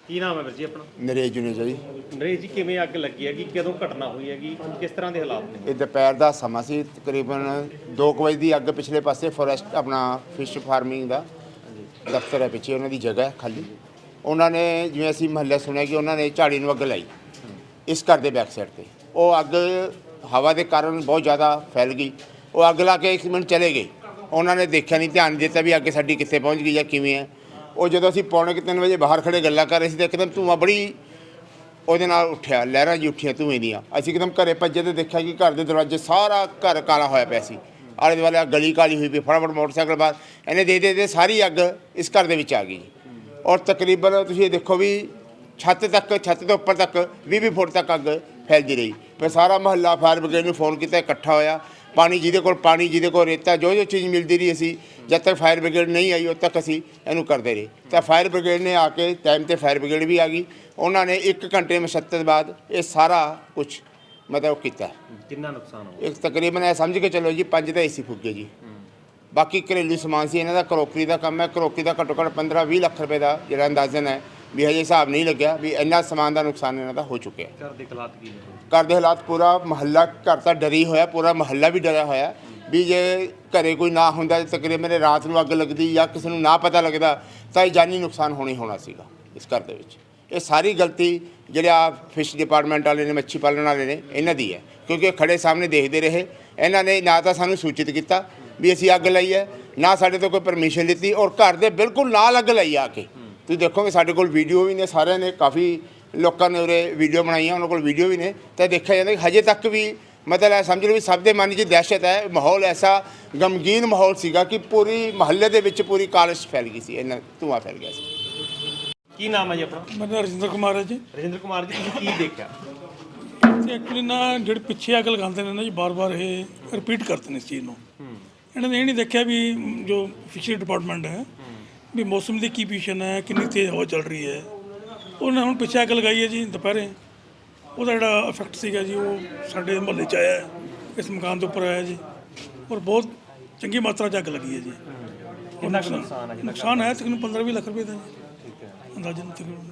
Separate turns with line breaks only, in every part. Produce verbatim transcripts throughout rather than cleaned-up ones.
ਕੀ ਨਾਮ ਹੈ ਵੀਰ ਜੀ ਆਪਣਾ?
ਨਰੇਸ਼ ਜੁਨੇਜਾ ਜੀ।
ਨਰੇਸ਼ ਜੀ, ਕਿਵੇਂ ਅੱਗ ਲੱਗੀ ਹੈਗੀ, ਕਦੋਂ ਘਟਨਾ ਹੋਈ ਹੈਗੀ, ਕਿਸ ਤਰ੍ਹਾਂ ਦੇ ਹਾਲਾਤ ਨੇ?
ਇਹ ਦੁਪਹਿਰ ਦਾ ਸਮਾਂ ਸੀ, ਤਕਰੀਬਨ ਦੋ ਕੁ ਵਜੇ ਦੀ ਅੱਗ। ਪਿਛਲੇ ਪਾਸੇ ਫੋਰੈਸਟ ਆਪਣਾ ਫਿਸ਼ ਫਾਰਮਿੰਗ ਦਾ ਦਫ਼ਤਰ ਹੈ, ਪਿੱਛੇ ਉਹਨਾਂ ਦੀ ਜਗ੍ਹਾ ਹੈ ਖਾਲੀ। ਉਹਨਾਂ ਨੇ ਜਿਵੇਂ ਅਸੀਂ ਮਹੱਲੇ ਸੁਣਿਆ ਕਿ ਉਹਨਾਂ ਨੇ ਝਾੜੀ ਨੂੰ ਅੱਗ ਲਾਈ ਇਸ ਘਰ ਦੇ ਬੈਕ ਸਾਈਡ 'ਤੇ। ਉਹ ਅੱਗ ਹਵਾ ਦੇ ਕਾਰਨ ਬਹੁਤ ਜ਼ਿਆਦਾ ਫੈਲ ਗਈ। ਉਹ ਅੱਗ ਲਾ ਕੇ ਇੱਕ ਮਿੰਟ ਚਲੇ ਗਏ। ਉਹਨਾਂ ਨੇ ਦੇਖਿਆ ਨਹੀਂ, ਧਿਆਨ ਨਹੀਂ ਦਿੱਤਾ ਵੀ ਅੱਗ ਸਾਡੀ ਕਿੱਥੇ ਪਹੁੰਚ ਗਈ ਜਾਂ ਕਿਵੇਂ ਹੈ। ਉਹ ਜਦੋਂ ਅਸੀਂ ਪੌਣੇ ਕੁ ਤਿੰਨ ਵਜੇ ਬਾਹਰ ਖੜੇ ਗੱਲਾਂ ਕਰ ਰਹੇ ਸੀ ਤਾਂ ਇੱਕਦਮ ਧੂੰਆਂ ਬੜੀ ਉਹਦੇ ਨਾਲ ਉੱਠਿਆ, ਲਹਿਰਾਂ ਜੀ ਉੱਠੀਆਂ ਧੂਏ ਦੀਆਂ। ਅਸੀਂ ਇੱਕਦਮ ਘਰੇ ਭੱਜੇ ਤੇ ਦੇਖਿਆ ਕਿ ਘਰ ਦੇ ਦਰਵਾਜ਼ੇ ਸਾਰਾ ਘਰ ਕਾਲਾ ਹੋਇਆ ਪਿਆ ਸੀ। ਆਲੇ ਦੁਆਲੇ ਗਲੀ ਕਾਲੀ ਹੋਈ ਪਈ। ਫਟਾਫਟ ਮੋਟਰਸਾਈਕਲ ਬਾਹਰ ਇਹਨੇ ਦੇ ਦੇ ਦੇ ਸਾਰੀ ਅੱਗ ਇਸ ਘਰ ਦੇ ਵਿੱਚ ਆ ਗਈ ਜੀ। ਔਰ ਤਕਰੀਬਨ ਤੁਸੀਂ ਇਹ ਦੇਖੋ ਵੀ ਛੱਤ ਤੱਕ, ਛੱਤ ਤੋਂ ਉੱਪਰ ਤੱਕ ਵੀਹ ਵੀਹ ਫੁੱਟ ਤੱਕ ਅੱਗ ਫੈਲਦੀ ਰਹੀ। ਫਿਰ ਸਾਰਾ ਮਹੱਲਾ ਫਾਇਰ ਬ੍ਰਿਗੇਡ ਨੂੰ ਫੋਨ ਕੀਤਾ, ਇਕੱਠਾ ਹੋਇਆ। ਪਾਣੀ ਜਿਹਦੇ ਕੋਲ ਪਾਣੀ, ਜਿਹਦੇ ਕੋਲ ਰੇਤਾ, ਜੋ ਜੋ ਚੀਜ਼ ਮਿਲਦੀ ਰਹੀ ਅਸੀਂ ਜਦ ਤੱਕ ਫਾਇਰ ਬ੍ਰਿਗੇਡ ਨਹੀਂ ਆਈ ਉਦੋਂ ਤੱਕ ਅਸੀਂ ਇਹਨੂੰ ਕਰਦੇ ਰਹੇ। ਤਾਂ ਫਾਇਰ ਬ੍ਰਿਗੇਡ ਨੇ ਆ ਕੇ ਟਾਈਮ 'ਤੇ ਫਾਇਰ ਬ੍ਰਿਗੇਡ ਵੀ ਆ ਗਈ। ਉਹਨਾਂ ਨੇ ਇੱਕ ਘੰਟੇ ਮਸ਼ੱਤਤ ਬਾਅਦ ਇਹ ਸਾਰਾ ਕੁਝ ਮਤਲਬ ਕੀਤਾ।
ਕਿੰਨਾ ਨੁਕਸਾਨ ਹੋ
ਇੱਕ ਤਕਰੀਬਨ ਇਹ ਸਮਝ ਕੇ ਚੱਲੋ ਜੀ ਪੰਜ ਤਾਂ ਏਸੀ ਫੁੱਕ ਗਏ ਜੀ। ਬਾਕੀ ਘਰੇਲੂ ਸਮਾਨ ਸੀ ਇਹਨਾਂ ਦਾ, ਕਰੋਕਰੀ ਦਾ ਕੰਮ ਹੈ। ਕਰੋਕਰੀ ਦਾ ਘੱਟੋ ਘੱਟ ਪੰਦਰਾਂ ਵੀਹ ਲੱਖ ਰੁਪਏ ਦਾ ਜਿਹੜਾ ਅੰਦਾਜ਼ਨ ਹੈ ਵੀ ਹਜੇ ਹਿਸਾਬ ਨਹੀਂ ਲੱਗਿਆ ਵੀ ਇੰਨਾ ਸਮਾਨ ਦਾ ਨੁਕਸਾਨ ਇਹਨਾਂ ਦਾ ਹੋ ਚੁੱਕਿਆ।
ਘਰ ਦੇ ਹਾਲਾਤ ਕੀ ਨੇ?
ਘਰ ਦੇ ਹਾਲਾਤ, ਪੂਰਾ ਮਹੱਲਾ ਘਰ ਤਾਂ ਡਰੀ ਹੋਇਆ, ਪੂਰਾ ਮਹੱਲਾ ਵੀ ਡਰਿਆ ਹੋਇਆ ਵੀ ਜੇ ਘਰੇ ਕੋਈ ਨਾ ਹੁੰਦਾ, ਤਕਰੀਬਨ ਰਾਤ ਨੂੰ ਅੱਗ ਲੱਗਦੀ ਜਾਂ ਕਿਸੇ ਨੂੰ ਨਾ ਪਤਾ ਲੱਗਦਾ ਤਾਂ ਇਹ ਜਾਨੀ ਨੁਕਸਾਨ ਹੋਣੀ ਹੋਣਾ ਸੀਗਾ ਇਸ ਘਰ ਦੇ ਵਿੱਚ। ਇਹ ਸਾਰੀ ਗਲਤੀ ਜਿਹੜਾ ਫਿਸ਼ ਡਿਪਾਰਟਮੈਂਟ ਵਾਲੇ ਨੇ, ਮੱਛੀ ਪਾਲਣ ਵਾਲੇ ਨੇ, ਇਹਨਾਂ ਦੀ ਹੈ। ਕਿਉਂਕਿ ਖੜੇ ਸਾਹਮਣੇ ਦੇਖਦੇ ਰਹੇ। ਇਹਨਾਂ ਨੇ ਨਾ ਤਾਂ ਸਾਨੂੰ ਸੂਚਿਤ ਕੀਤਾ ਵੀ ਅਸੀਂ ਅੱਗ ਲਾਈ ਹੈ, ਨਾ ਸਾਡੇ ਤੋਂ ਕੋਈ ਪਰਮਿਸ਼ਨ ਲਿੱਤੀ, ਔਰ ਘਰ ਦੇ ਬਿਲਕੁਲ ਨਾਲ ਅੱਗ ਲਾਈ ਆ ਕੇ। ਤੁਸੀਂ ਦੇਖੋਗੇ ਸਾਡੇ ਕੋਲ ਵੀਡੀਓ ਵੀ ਨੇ, ਸਾਰਿਆਂ ਨੇ, ਕਾਫੀ ਲੋਕਾਂ ਨੇ ਉਰੇ ਵੀਡੀਓ ਬਣਾਈਆਂ, ਉਹਨਾਂ ਕੋਲ ਵੀਡੀਓ ਵੀ ਨੇ। ਤਾਂ ਦੇਖਿਆ ਜਾਂਦਾ ਕਿ ਹਜੇ ਤੱਕ ਵੀ ਮਤਲਬ ਇਹ ਸਮਝ ਲਓ ਵੀ ਸਭ ਦੇ ਮਨ 'ਚ ਦਹਿਸ਼ਤ ਹੈ। ਮਾਹੌਲ ਐਸਾ ਗਮਗੀਨ ਮਾਹੌਲ ਸੀਗਾ ਕਿ ਪੂਰੀ ਮਹੱਲੇ ਦੇ ਵਿੱਚ ਪੂਰੀ ਕਾਲਿਸ਼ ਫੈਲ ਗਈ ਸੀ, ਇਹਨਾਂ ਧੂੰਆਂ ਫੈਲ ਗਿਆ ਸੀ।
ਕੀ ਨਾਮ ਹੈ ਜੀ ਆਪਣਾ?
ਮੇਰਾ ਨਾਮ ਰਜਿੰਦਰ ਕੁਮਾਰ ਹੈ ਜੀ।
ਰਜਿੰਦਰ ਕੁਮਾਰ ਜੀ, ਤੁਸੀਂ ਕੀ ਦੇਖਿਆ?
ਤੇ ਐਕਚੁਅਲੀ ਨਾ ਜਿਹੜੇ ਪਿੱਛੇ ਅੱਗ ਲਗਾਉਂਦੇ ਨੇ ਨਾ ਜੀ, ਬਾਰ-ਬਾਰ ਇਹ ਰਿਪੀਟ ਕਰਦੇ ਨੇ ਇਸ ਚੀਜ਼ ਨੂੰ। ਇਹਨਾਂ ਨੇ ਇਹ ਨਹੀਂ ਦੇਖਿਆ ਵੀ ਜੋ ਫਿਸ਼ਰੀ ਡਿਪਾਰਟਮੈਂਟ ਹੈ ਵੀ ਮੌਸਮ ਦੀ ਕੀ ਪੋਜੀਸ਼ਨ ਹੈ, ਕਿੰਨੀ ਤੇਜ਼ ਹਵਾ ਚੱਲ ਰਹੀ ਹੈ। ਉਹਨੇ ਹੁਣ ਪਿੱਛੇ ਅੱਗ ਲਗਾਈ ਹੈ ਜੀ ਦੁਪਹਿਰੇ। ਉਹਦਾ ਜਿਹੜਾ ਇਫੈਕਟ ਸੀਗਾ ਜੀ ਉਹ ਸਾਡੇ ਮੁਹੱਲੇ 'ਚ ਆਇਆ, ਇਸ ਮਕਾਨ ਦੇ ਉੱਪਰ ਆਇਆ ਜੀ। ਔਰ ਬਹੁਤ ਚੰਗੀ ਮਾਤਰਾ 'ਚ ਅੱਗ ਲੱਗੀ ਹੈ ਜੀ।
ਕਿੰਨਾ ਕੁ ਨੁਕਸਾਨ ਹੈ?
ਨੁਕਸਾਨ ਹੈ ਤਕਰੀਬਨ ਪੰਦਰਾਂ ਵੀਹ ਲੱਖ ਰੁਪਏ ਦਾ ਜੀ
ਠੀਕ ਹੈ।
ਅੰਦਾਜ਼ਨ ਤਕਰੀਬਨ।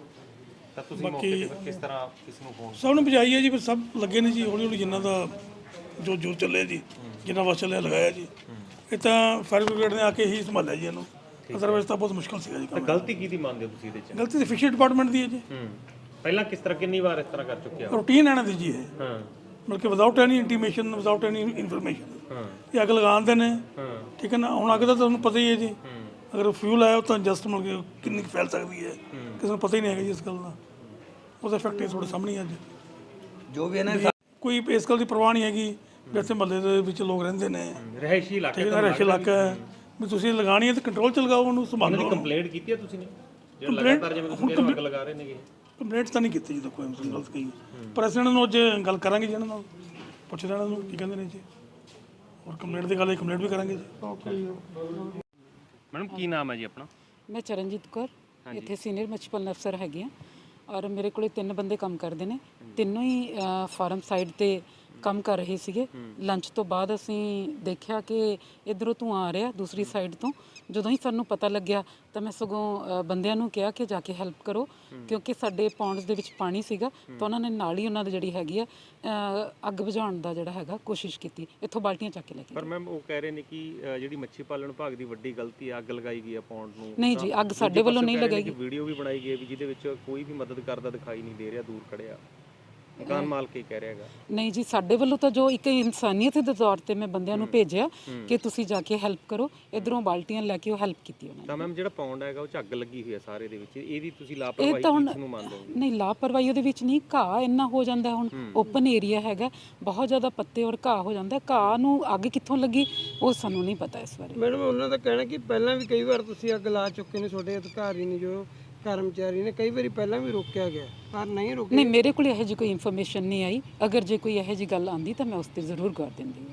ਤਾਂ ਤੁਸੀਂ ਮੌਕੇ ਤੇ ਕਿਸ ਤਰ੍ਹਾਂ ਕਿਸ ਨੂੰ ਫੋਨ?
ਸਭ ਨੂੰ ਬੁਝਾਈ ਹੈ ਜੀ, ਪਰ ਸਭ ਲੱਗੇ ਨੇ ਜੀ ਹੌਲੀ ਹੌਲੀ, ਜਿੰਨਾ ਦਾ ਜੋ ਜੋ ਚੱਲਿਆ ਜੀ, ਜਿੰਨਾ ਵਾਸ ਚੱਲਿਆ ਲਗਾਇਆ ਜੀ। ਇਹ ਤਾਂ ਫਾਇਰ ਬ੍ਰਿਗੇਡ ਨੇ ਆ ਕੇ ਹੀ ਸੰਭਾਲਿਆ ਜੀ ਇਹਨੂੰ, ਅਦਰਵਾਈਜ਼ ਤਾਂ ਬਹੁਤ ਮੁਸ਼ਕਲ ਸੀਗਾ ਜੀ ਕੰਮ।
ਗਲਤੀ ਕਿਹਦੀ ਮੰਨਦੇ ਹੋ ਤੁਸੀਂ ਇਹਦੇ 'ਚ?
ਗਲਤੀ ਤਾਂ ਫਿਸ਼ਰੀ ਡਿਪਾਰਟਮੈਂਟ ਦੀ ਹੈ ਜੀ।
ਹੂੰ, ਪਹਿਲਾਂ ਕਿਸ ਤਰ੍ਹਾਂ, ਕਿੰਨੀ ਵਾਰ ਇਸ ਤਰ੍ਹਾਂ ਕਰ ਚੁੱਕਿਆ?
ਰੂਟੀਨ ਇਹਨਾਂ ਦੀ ਜੀ ਇਹ,
ਹਾਂ
ਮਤਲਬ ਕਿ without any intimation, without any information
ਹਾਂ
ਇਹ ਅੱਗ ਲਗਾਉਂਦੇ ਨੇ।
ਹਾਂ
ਠੀਕ ਹੈ ਨਾ। ਹੁਣ ਅੱਗ ਦਾ ਤੁਹਾਨੂੰ ਪਤਾ ਹੀ ਹੈ ਜੀ, ਅਗਰ ਫਿਊਲ ਆਇਆ ਤਾਂ ਜਸਟ ਮਤਲਬ ਕਿ ਕਿੰਨੀ ਕੁ ਫੈਲ ਸਕਦੀ ਹੈ, ਕਿਸੇ ਨੂੰ ਪਤਾ ਹੀ ਨਹੀਂ ਹੈਗਾ ਜੀ ਇਸ ਗੱਲ ਦਾ। ਉਹਦਾ ਇਫੈਕਟ ਤੁਹਾਡੇ ਸਾਹਮਣੇ ਅੱਜ ਜੋ ਵੀ ਹੈ ਨਾ, ਕੋਈ ਇਸ ਗੱਲ ਦੀ ਪਰਵਾਹ ਨਹੀਂ ਹੈਗੀ ਵੀ ਇੱਥੇ ਮਹੱਲੇ ਦੇ ਵਿੱਚ ਲੋਕ ਰਹਿੰਦੇ ਨੇ,
ਰਹਿਸ਼ੀ ਇਲਾਕਾ,
ਠੀਕ ਹੈ, ਰਹਿਸ਼ ਇਲਾਕਾ ਹੈ, ਵੀ ਤੁਸੀਂ ਲਗਾਣੀ ਹੈ ਤਾਂ ਕੰਟਰੋਲ 'ਚ ਲਗਾਓ, ਉਹਨੂੰ ਸੰਭਾਲੋ।
ਕੰਪਲੇਂਟ ਕੀਤੀ ਹੈ ਤੁਸੀਂ ਨੇ? ਜਿਹੜਾ ਲਗਾਤਾਰ ਜਿਵੇਂ ਤੁਸੀਂ ਅੱਗ ਲਗਾ ਰਹੇ ਨੇਗੇ।
ਕੰਪਲੇਂਟ ਤਾਂ ਨਹੀਂ ਕੀਤੀ ਜੀ, ਕੋਈ ਗਲਤ ਕਹੀ, ਪਰ ਅਸੀਂ ਇਹਨਾਂ ਨੂੰ ਅੱਜ ਗੱਲ ਕਰਾਂਗੇ ਜੀ, ਇਹਨਾਂ ਨਾਲ ਪੁੱਛਦੇ ਇਹਨਾਂ ਨੂੰ ਕੀ ਕਹਿੰਦੇ ਨੇ ਜੀ। ਔਰ ਕੰਪਲੇਂਟ ਦੀ ਗੱਲ ਕੰਪਲੇਂਟ ਵੀ ਕਰਾਂਗੇ ਜੀ।
ਮੈਡਮ ਕੀ ਨਾਮ ਹੈ ਜੀ ਆਪਣਾ?
ਮੈਂ ਚਰਨਜੀਤ ਕੌਰ, ਇੱਥੇ ਸੀਨੀਅਰ ਮੱਛੀ ਪਾਲਣ ਅਫਸਰ ਹੈਗੀ ਹਾਂ। ਔਰ ਮੇਰੇ ਕੋਲੇ ਤਿੰਨ ਬੰਦੇ ਕੰਮ ਕਰਦੇ ਨੇ, ਤਿੰਨੋਂ ਹੀ ਫਾਰਮ ਸਾਈਡ ਤੇ ਕੰਮ ਕਰ ਰਹੇ ਸੀਗੇ। ਲੰਚ ਤੋਂ ਬਾਅਦ ਅਸੀਂ ਦੇਖਿਆ ਕਿ ਇੱਧਰੋਂ ਧੂੰਆਂ ਆ ਰਿਹਾ ਦੂਸਰੀ ਸਾਈਡ ਤੋਂ। ਜਦੋਂ ਹੀ ਸਾਨੂੰ ਪਤਾ ਲੱਗਿਆ ਤਾਂ ਮੈਂ ਸਗੋਂ ਬੰਦਿਆਂ ਨੂੰ ਕਿਹਾ ਕਿ ਜਾ ਕੇ ਹੈਲਪ ਕਰੋ, ਕਿਉਂਕਿ ਸਾਡੇ ਪੌਂਡਸ ਦੇ ਵਿੱਚ ਪਾਣੀ ਸੀਗਾ। ਤਾਂ ਉਹਨਾਂ ਨੇ ਨਾਲ ਹੀ ਉਹਨਾਂ ਦੀ ਜਿਹੜੀ ਹੈਗੀ ਆ ਅੱਗ ਬੁਝਾਉਣ ਦਾ ਜਿਹੜਾ ਹੈਗਾ ਕੋਸ਼ਿਸ਼ ਕੀਤੀ, ਇੱਥੋਂ ਬਾਲਟੀਆਂ ਚੱਕ ਕੇ ਲੈ ਕੇ।
ਪਰ ਮੈਮ ਉਹ ਕਹਿ ਰਹੇ ਨੇ ਕਿ ਜਿਹੜੀ ਮੱਛੀ ਪਾਲਣ ਵਿਭਾਗ ਦੀ ਵੱਡੀ ਗਲਤੀ ਹੈ, ਅੱਗ ਲਗਾਈ ਗਈ ਹੈ ਪੌਂਡ ਨੂੰ।
ਨਹੀਂ ਜੀ, ਅੱਗ ਸਾਡੇ ਵੱਲੋਂ ਨਹੀਂ ਲਗਾਈ ਗਈ।
ਵੀਡੀਓ ਵੀ ਬਣਾਈ ਗਈ ਹੈ ਵੀ ਜਿਹਦੇ ਵਿੱਚ ਕੋਈ ਵੀ ਮਦਦ ਕਰਦਾ ਦਿਖਾਈ ਨਹੀਂ ਦੇ ਰਿਹਾ, ਦੂਰ ਖੜਿਆ ਮਕਾਨ ਮਾਲਕ ਹੀ ਕਹਿ ਰਿਹਾ ਹੈਗਾ।
ਨਹੀਂ ਜੀ, ਸਾਡੇ ਵੱਲੋਂ ਤਾਂ ਜੋ ਇੱਕ ਇਨਸਾਨੀਅਤ ਦੇ ਤੌਰ ਤੇ ਮੈਂ ਬੰਦਿਆਂ ਨੂੰ ਭੇਜਿਆ ਕਿ ਤੁਸੀਂ ਜਾ ਕੇ ਹੈਲਪ ਕਰੋ, ਇਧਰੋਂ ਬਾਲਟੀਆਂ ਲੈ ਕੇ ਉਹ ਹੈਲਪ ਕੀਤੀ ਉਹਨਾਂ ਨੇ।
ਤਾਂ ਮੈਮ ਜਿਹੜਾ ਪੌਂਡ ਹੈਗਾ ਉਹ 'ਚ ਅੱਗ ਲੱਗੀ ਹੋਈ ਹੈ ਸਾਰੇ ਦੇ ਵਿੱਚ, ਇਹਦੀ ਤੁਸੀਂ ਲਾਪਰਵਾਹੀ ਕਿਸ ਨੂੰ ਮੰਨਦੇ ਹੋ?
ਨਹੀਂ, ਲਾਪਰਵਾਹੀ ਉਹਦੇ ਵਿੱਚ ਨਹੀਂ, ਘਾਹ ਇੰਨਾ ਹੋ ਜਾਂਦਾ। ਹੁਣ ਓਪਨ ਏਰੀਆ ਹੈਗਾ, ਬਹੁਤ ਜ਼ਿਆਦਾ ਪੱਤੇ ਔਰ ਘਾਹ ਹੋ ਜਾਂਦਾ। ਘਾਹ ਨੂੰ ਅੱਗ ਕਿੱਥੋਂ ਲੱਗੀ ਉਹ ਸਾਨੂੰ ਨਹੀਂ ਪਤਾ ਇਸ ਬਾਰੇ।
ਮੈਡਮ ਉਹਨਾਂ ਦਾ ਕਹਿਣਾ ਕਿ ਪਹਿਲਾਂ ਵੀ ਕਈ ਵਾਰ ਤੁਸੀਂ ਅੱਗ ਲਾ ਚੁੱਕੇ ਨੇ, ਤੁਹਾਡੇ ਅਧਿਕਾਰੀ ਨੇ ਜੋ ਕਰਮਚਾਰੀ ਨੇ, ਕਈ ਵਾਰੀ ਪਹਿਲਾਂ ਵੀ ਰੋਕਿਆ ਗਿਆ ਪਰ ਨਹੀਂ ਰੁਕਿਆ।
ਨਹੀਂ, ਮੇਰੇ ਕੋਲ ਇਹੋ ਜਿਹੀ ਕੋਈ ਇਨਫੋਰਮੇਸ਼ਨ ਨਹੀਂ ਆਈ। ਅਗਰ ਜੇ ਕੋਈ ਇਹੋ ਜਿਹੀ ਗੱਲ ਆਉਂਦੀ ਤਾਂ ਮੈਂ ਉਸ ਤੇ ਜ਼ਰੂਰ ਗੌਰ ਦਿੰਦੀ।